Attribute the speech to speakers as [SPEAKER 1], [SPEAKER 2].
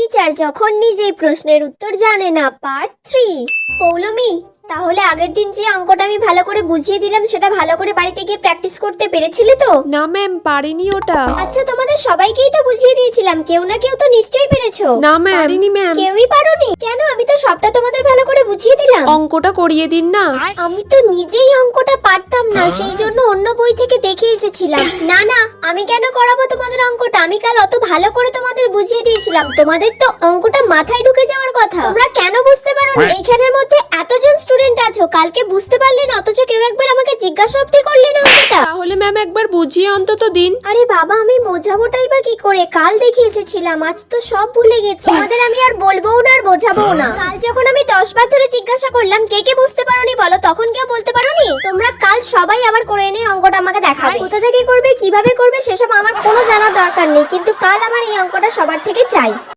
[SPEAKER 1] Teacher যখন নিজেই প্রশ্নের উত্তর জানে না, পার্ট 3। পৌলমি, তাহলে আগের দিন যে অঙ্কটা আমি ভালো করে বুঝিয়ে দিলাম সেটা ভালো করে বাড়িতে গিয়ে প্র্যাকটিস করতে পেরেছিলে তো?
[SPEAKER 2] না ম্যাম, পারিনি ওটা।
[SPEAKER 1] আচ্ছা, তোমাদের সবাইকেই তো বুঝিয়ে দিয়েছিলাম, কেউ না কেউ তো নিশ্চয়ই পেরেছো।
[SPEAKER 2] না ম্যাম, পারিনি ম্যাম।
[SPEAKER 1] কেউই পারোনি? কেন? আমি তো সবটা তোমাদের ভালো করে বুঝিয়ে দিলাম।
[SPEAKER 2] অঙ্কটা করিয়ে দিন না।
[SPEAKER 1] আমি তো নিজেই অঙ্কটা পারতাম না, সেই জন্য অন্য বই থেকে দেখে এসেছিলাম। না না, আমি কেন করাবো তোমাদের অঙ্কটা? আমি কাল অত ভালো করে তোমাদের বুঝিয়ে দিয়েছিলাম, তোমাদের তো অঙ্কটা মাথায় ঢুকে যাওয়ার কথা। তোমরা কেন বুঝতে পারোনি? এইখানের মধ্যে এতজন স্টুডেন্ট আছো, কালকে বুঝতে পারলে না, অথচ কেউ একবার আমাকে জিজ্ঞাসা অবধি করলে না অঙ্কটা।
[SPEAKER 2] তাহলে ম্যাম একবার বুঝিয়ে অন্তত দিন।
[SPEAKER 1] আরে বাবা, আমি বোঝাবোটাই বা কি করে? কাল দেখে এসেছিলাম, আজ তো সব ভুলে গেছি। তোমাদের আমি আর বলবোও না আর বোঝাবোও না। কাল যখন আমি 10 বার ধরে জিজ্ঞাসা করলাম কে কে বুঝতে পারোনি বলো, তখন কেউ বলতে পারোনি? তোমরা কাল সবাই আবার করে এনে অঙ্কটা আমাকে দেখাবে। কোথা থেকে করবে, কিভাবে করবে সেসব আমার কোনো জানার দরকার নেই, কিন্তু কাল আমার এই অঙ্কটা সবার থেকে চাই।